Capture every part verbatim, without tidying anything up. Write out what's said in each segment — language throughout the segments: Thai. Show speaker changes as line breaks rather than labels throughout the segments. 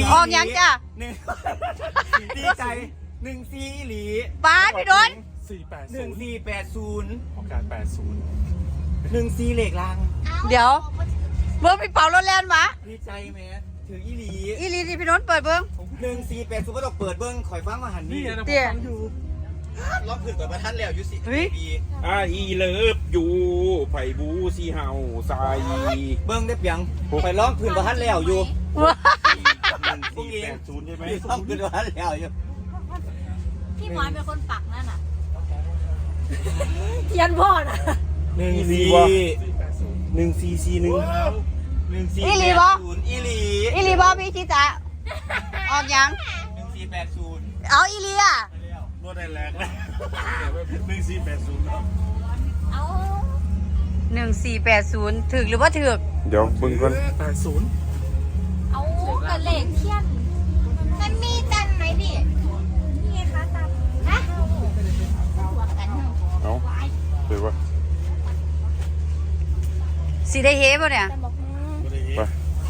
ออกยังจ้ะ
หนึ่งดีใจหนึ่งซีหลี
บ้านพี่โดน
สี่แปด
หนึ่งสี่แปดศูนย์
ของการแปดศูนย์
หนึ่งซีเหล็กลาง
เดี๋ยวเบิ้งพี่เป่ารถแล่นมา
ดีใจไหมถืออีหลี
อีหลีที่พี่โดนเปิดเบิ้ง
หนึ่งสี่แปดศูนย์ก็ต้องเปิดเบิ้งข่อยฟังมาหันนี่
เตี้ย
รอบถึงเปิดมาท่านแล้วยุสิปี
อ่าอีเลิฟอยู่ไผ่บูซีเฮาใส่
เบิ้งได้เปียงไปร้องถึงมาท่านแล้วอยู่
พวกเองศูนย์ใช่ไหม
ร้องถึงมาท่านแล้วอยู่
พี่หมอนเป็นคนปักนั่นน่ะเทียนพ่อน่ะ
หนึ่งสี่หนึ่งสี่สี่หนึ่งหนึ่งสี่
อีหลีบอ
ศูนย์อีหลี
อีหลีบอพี่ชิตะออกยัง
หนึ่งสี่แปดศูนย์
เอาอีหลีอ่ะ
รถได้แรงเลยหนึ่งสี่แปดศูนย์
เอา
หนึ่งสี่แปดศูนย์ถึกหรือว่าถึก
เดี๋ยวบึ้งก่อนแปดศูนย์
เอากระเหล็กเทียนมันมีตันไหมพี่นี่ไงคะตันฮะ
เอาเดี๋ยววะ
สีได้เฮป่ะเนี่ย
ไป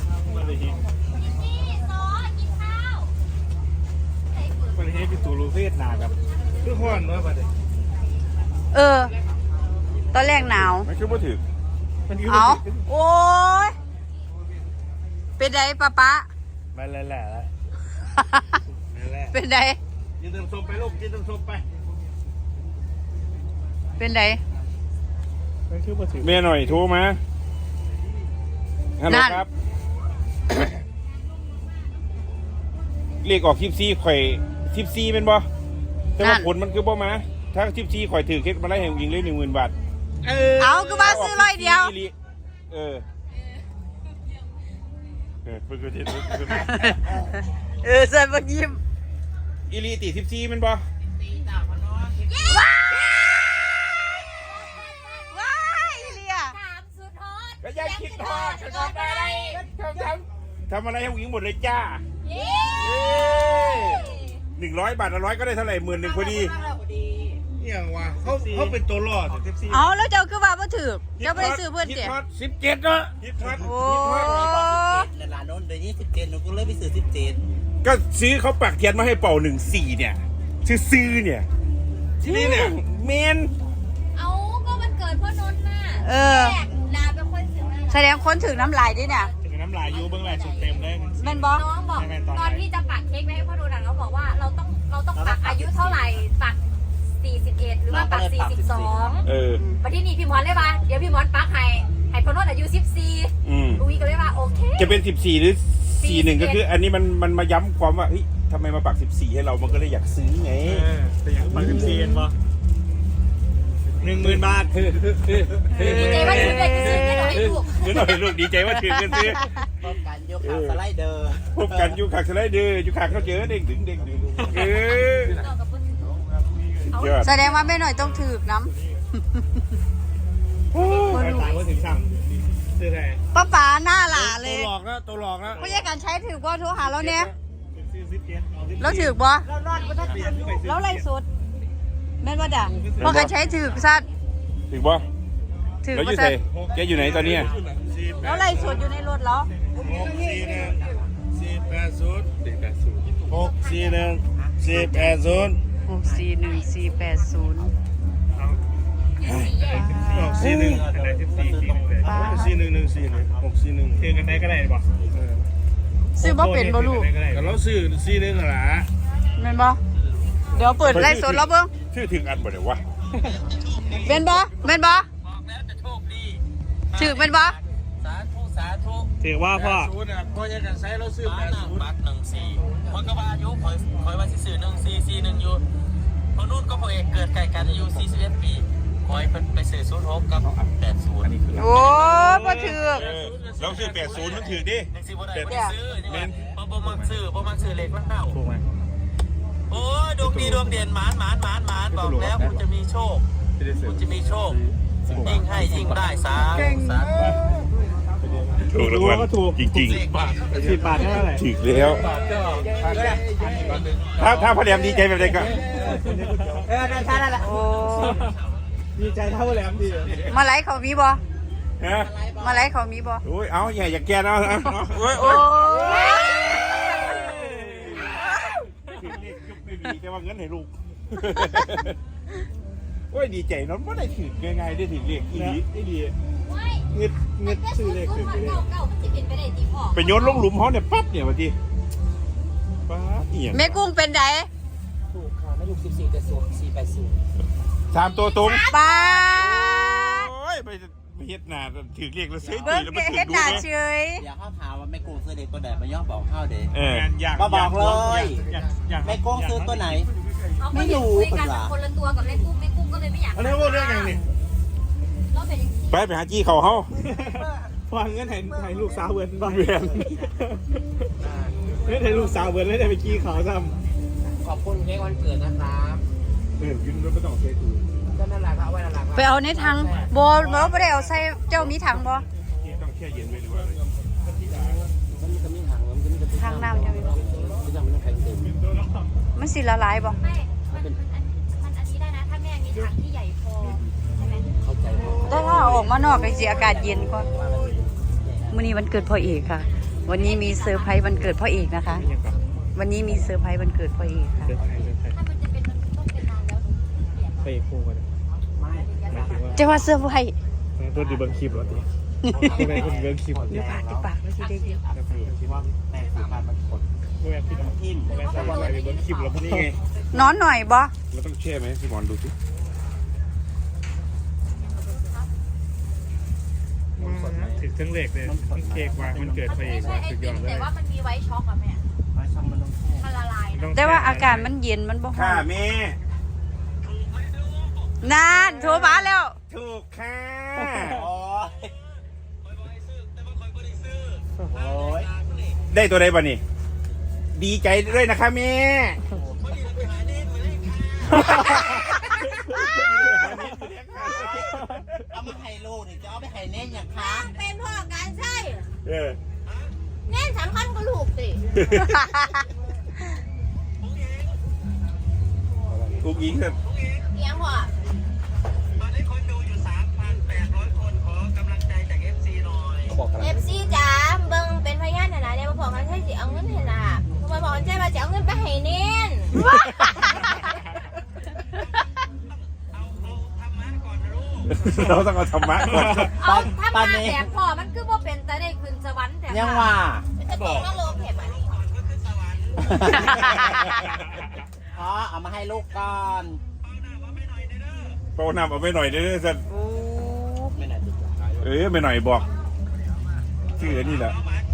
ประเทศเป็นตัวรูเฟสนาครับคือห้อนน้อยประเดี๋ยว
เออตอนแรกหนาว
ไม่คือว่าถึง
เอาโอ้ยเป็นไงป้าป๊า
ไม่แหละแหละแล้ว
เป็นไง
ยืนเติมส้มไปลูกยืนเติมส้มไป
เป็นไง
ไม่คือว่าถึงเมียหน่อยโทรมาฮัลโหลครับเรียกออกทิปซี่ข่อยทิปซี่เป็นบ่แต่ว่าผลมันคือบ่มาถ้าทิปซี่ข่อยถือเค้กมาไล่แห่งยิงเลยหนึ่งหมื่นบาท
เอาคือมาซื้อร้อยเดียว
เออเออเพิ่งเห็น
เออใส่บักยิ้ม
อีลีตีทิปซี่เป็นบ่ก็ยังคิดทอดทำอะไรทำทำอะไรให้ผู้หญิงหมดเลยจ้าหนึ่งร้อยบาทละร้อยก็ได้เท่าไหร่หมื่นหนึ่งพอดีเนี่ยว่ะเขาเขาเป็นตัวรอด
เอาแล้วเจ้าคือว่าบ่ถือเจ้าไม่ได้ซื้อเพื่อนเจ๊
สิบเจ็ดเนาะ
โอ้
ในร้านโน้นเดี๋ยวนี้สิบเจ็ดหนูก็เลยไปซื้อสิบเจ็ด
ก็ซื้อเขาปักเทียนมาให้เป่าหนึ่งสี่เนี่ยซื้อซื้อเนี่ยที่นี่เนี่ยเมน
เอาก็มันเกิดเพราะนนท์น่ะ
เออแสดงคนถึงน้ำลายด้วยเนี่ย
ถึงน้ำลายยูเบื้องแรกสุดเต็มเลย
มันบอ
น้องบอกตอนที่จะปักเค้กไว้ให้พ่อดูหนังเขาบอกว่าเราต้องเราต้องปักอายุเท่าไหร่ปักสี่สิบเอ็ดหรือว่าปักสี่สิบสอง
เออ
วันที่นี่พี่หมอนเลยว่าเดี๋ยวพี่หมอนปักให้ให้พ่อนุ่นอายุสิบสี่อุ้ยก็เลยว่าโอเค
จะเป็นสิบสี่หรือสี่หนึ่งก็คืออันนี้มันมันมาย้ำความว่าเฮ้ยทำไมมาปักสิบสี่ให้เรามันก็เลยอยากซื้อไงแต่อยากปักสิบสี่เองปะหนึ่งหมื่นบาท
ดีใจว่าถือเลยซื้อไม่หน่อยลูก
ไม่หน่อยลูกดีใจว่าถือเงินซื้อ
พบกันยูขาสไลเดอร์
พบกันยูขาสไลเดอร์ยูขาเขาเจอเด้งดึงเด้งดึงเออ
แสดงว่าไม่หน่อยต้องถือน้
ำคนรู้ว่าถึงสั่งซื้อไง
ป้าป๋าหน้าหล่าเลย
ตัวหลอกนะตัวหลอกนะ
ไม่ใช่การใช้ถือว่าโทรหาเราเนี่ยแล้วถือบ่แล้วไรสุดแม่นว่าด่าพอการใช้ถือซัด
ถือบ่
ถือ
แล้วอยู่ไหนแกอยู่ไหนตอนนี้
แล้วไรสุดอยู่ในรถแล้ว
หกสี่หนึ่งสี่แปดศูนย์สี่แปดศูนย์หกสี่หนึ่งสี่แปดศูนย์
หกสี่หนึ่งสี่แปดศูนย์
หกสี่หนึ่งสี่หนึ่งหนึ่งสี่หนึ่งหกสี่หนึ่งเทียงกันได้ก็ได้ป่ะ
ซื้อบ่เป็นบ่ลูก
ก็เราซื้อสี่หนึ่งหรอ
แม่นบ่เดี๋ยวเปิดไล่สดแล้วเบิ้ง
ชื่อถึงอันบ่เดี๋ยววะ
แม่นบ่แม่นบ่ถือแม่นบ่
สาธุสาธุ
ถือว่าพ่อ
พ่อจะกันใช้เราซื้อแปดศูนย์บัตรหนึ่งสี่คนก็ว่าอายุคอยคอยว่าสิซื้อหนึ่งสี่สี่หนึ่งอยู่พอนู่นก็พอเอกเกิดไก่กันอายุสี่สิบเอ็ดปีคอยไปซื้อศูนย์หกกับแปดศูนย์
โอ้พ่อถือ
เราซื้อแปดศูนย์มันถือดิ
หนึ่งสี่บ่ได้บ่ได้ซื้อนี่มันบ่บ่มักซื้อบ่มักซื้อเลขมันเน่า
ถูกไหม
โอ้ดวงดีดวงเด่นหมานหมานหมานหมานบอกแล้วคุณจะมีโชคคุณจะมีโชคยิ่งให้ยิ่งได้สาสา
ถูกรางวัลจริงๆ
สิบบาทเท่าไหร่
ถูกแล้วถ้าถ้าพอแหลมดีใจแบบไหนก็
เออนั่นใช่นั่นแหละ
โอ้
ดีใจเท่าแหลมดี
มาไล่เขามีบ่
ฮะ
มาไล่เขามีบ่
โอ้ยเอาอย่าอย่าแกนเอาเอา
โอ้ย
ดีแค่ว่าเงินให้ลูกโอ้ยดีใจเนาะบ่ได้ถือง่ายๆได้ถือเลขอีหลีอีหลี
ว้าย
เงึดเงึดซื้อเลขถือไปเลย
เก่าเก่ามันจะเป็นไปได้ตีพ่อ
ไปโยนลงหลุมเฮาเนี่ยปั๊บเนี่ยว่าติป๊าดเอียง
แม่กุ้งเป็นได
ถูกค่ะไม่ถูกสิบสี่แต่สูงสี่แปดศูนย์
สามตัวตรง
ป้า
โอ้ยไปเฮ็ดหน้าถือเลขแล้วซื้อ
เบิ้ง
แล้วมันถื
เฮ็
อ
ด
ดู
หน้า
ไหม
เฉย
อยากเข้าถามว่าแม่กุ้งซื้อเด็กตัวไหนมาย่อบอกเข้าเด็ก
เออ
อยาก
มาบอกเลย
อยากอยาก
แม่กุ้งซื้อตัวไหน
เอา
ไม่
ไม่
รู้
รู้คุยกัน
เหรอ
คนละตัวกับแม่กุ้งแม่กุ้งก็เลยไม่อยาก
อันนี้ว่าเรื่องยังนี่
เราเป็นอย่างนี้
ไปไปหาจี้เขาเฮา
ฟังเงินให้ให้ลูกสาวเวิร์นบ้าง
เวียน
เงินให้ลูกสาวเวิร์นแล้วได้ไปกี้เขาซ้
ขอบคุณเค้กวันเกิดนะครับ
เออกินแล้วไม่ต้องเช็คดู
ก็นั่นแหละครับเอาไว้นั่นแหละครับ
ไปเอาในถังบ่บ่บ่ได้เอาใส่เจ้ามีถังบ่
ต้องแช่เย็นไว้หรือว่าอะไร
มันจะมีถังมันจะมีกระติก
ถังน้ำจะมีบ่
ที่จะมันต้องแข็งเต็ม
มันสิละลายบ่
ไม่มันมันอันมันอันนี้ได้นะถ้าแม่มีถังที่ใหญ่พอใช่ไหม
เข้าใจว่า
แต่ถ้าเอาออกมานอกก็สิอากาศเย็นกว่ามื้อนี้วันเกิดพ่อเอกค่ะ วันนี้มีเซอร์ไพรส์วันเกิดพ่อเอกนะคะ
ำยังกับ
วันนี้มีเซอร์ไพรส์วันเกิดพ่อเอกค่ะ
เดินไทยเดินไทย
ถ้ามันจะเป็นมันต้องเป็นนานแล้วหนูเปลี่ยน
ไปคู่กันหมายถึงว่า
จะว่าเซอร์ไพรส์
ตัวดีเบิร์คลิปหรอทีตัวไหนคนเบิร์คลิป
ดูปากดูปากแล้วสิได้ยิน
ว่าแม่สื่อการมันกด
เมื่อพี่น้อง
ทิม
แม่สาวอะไรเบิร์คลิปแล้วพวกนี้
นี่ไง
นอนหน่อยบ่
เราต้องแช่ไหมพี่หมอนดูสิ
ถึงทั้งเหล็กเลยเค้กว่ามันเกิด
มัน
ไปเอ
ไม่
ง
ใช่ไอ
สุดย
ติ
อ
ม
ดเล
แต่
ย
ว่ามันมีไว้ช็อกอะแม่
ไว้ช่างมันต้องแช่
มันละลายนะ
แต่ว่าอากาศมันเย็นมันบ่ร้
ค่ะ
อน
แม่
นานโทรมาแล้ว
ถูกค่ะ
โอ้ยโอ้ย
ได้ตัวใดบ้านี่ดีใจด้วยนะคะแม่
เอามาให้ลูกนี่จะเอาไปให้เน้นอย่างคะ
เป็นพ่อการใช่
เออ
แน่นสำคัญก็ลูกสิ
อุกอิงครับ
เลี้ยงพ่อ
ตอนนี้คนดูอยู่ สามพันแปดร้อย คนขอกำลังใจจาก เอฟ ซี หน่อยบอกกัน
เอฟซีจ๋าเบิ่งเป็นพยานหน่อยนะเนี่ยมาบอกกันใช่สิเอาเงินให้น่ะมาบอกกันใช่มาจะเอาเงินไปให้เน้น
เราต้องเอาธรรมะก่อน
เอาถ้ามาแบบพ่อมันคือว่าเป็นแต่ได้ขึ้นสวรรค์แต่
ยังว่า
จะตกนรกเห็นไหม
อ๋อเอามาให้ลูกก่อน
โปรนำเอาไปหน่อยเด้อสัน
โอ้
ไม่น่าจะ
เออไปหน่อยบอกชื่ออันนี่แหละ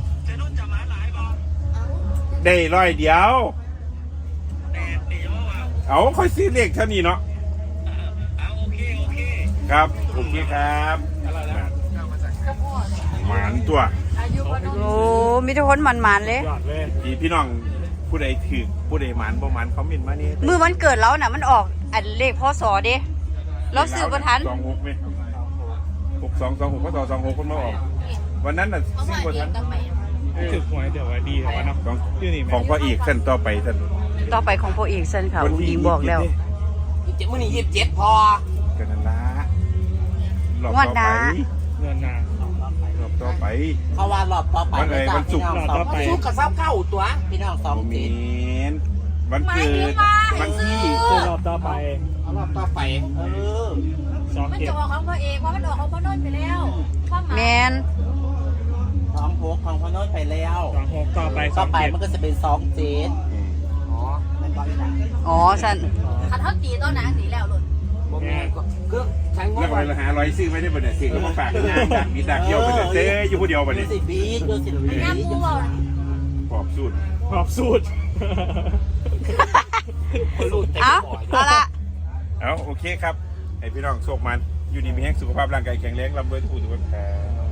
ได้ร้อยเดียว เอาค่อยซื้อเลขเท่านี้เนาะครับโอเคครับหมานตัว
โอ้มีทุกคนมันมันๆเลย
ยอดเลย
พี่พี่น้องผู้ใดถือผู้ใดหมานบ่หมานคอมเมนต์มานี่
มือวันเกิดเราน่ะมันออกอันเลขพศเด้เราซื้อบ่ทัน
สองหกไหมหกสองสองหกพศสองหกคนมาออก วันนั้นน่ะ
เขา
ซื้อ
ว่า
บ่
เอ
ทั
ง
น
ทำไม
ถึกหวยเดี๋ยวว่าดีแต่ว่าเนาะ
ของ
ชื่อนี่
ของพ่อเอกท่านต่อไปท่าน
ต่อไปของพ่อเอกเซนค่ะอุ้งอิงบอกแล้ว
ยี่สิบเจ็ดมื่อนี้ยี่สิบเจ็ดพอ
กันนั่นละรอบ
งวด
ต่อ
ห
ไป
น้า
เงินนาร
อบต่อไป
เขาว่ารอบต่อไป
วันไหนวันศุกร์
พี่น้องสองศุกร์กับเสาร์เข้าตัวพี่น้องสอง
โมเม
เจ็ด
นวันเกิดวันที่
คือรอบต่อไป
เอารอบต่อไปเออ
สอง
มัน
เจ็ด
จะออกของพ่อเอกเพราะมันออกของพ่อโน้นไปแล้วความหมาย
แมน
สองหกของพอน้อยไปแล้ว
สองหกต่อไปส
ต่
อ
อง ไป
เจ็ด
มันก็จะเป็นสองเจ็ดอ๋อไม่ต้องนะ
อ๋อสัน
ขันเท่าตีต้นนะตีแล้วหล่น
บ่แม่นก็คือใช้ง
แล้ว
บ
ไปเราหาร้อยซื้อไม่ได้บ่เนี่ยสิ่งก็มาฝากงานดักมีดักเดียวไปเลยเต้อยู่ผู้เดียวไป
ดู
เนี่ย
สิบีดูสิบี
น้ำมูเบา
ปอบสูตร
ขอบสูตร
เอาเอาละ
เอาโอเคครับให้พี่น้องโชคมันอยู่ดีมีแห้งสุขภาพร่างกายแข็งแรงลำเบอร์ทุกผู้ทุกคนครับ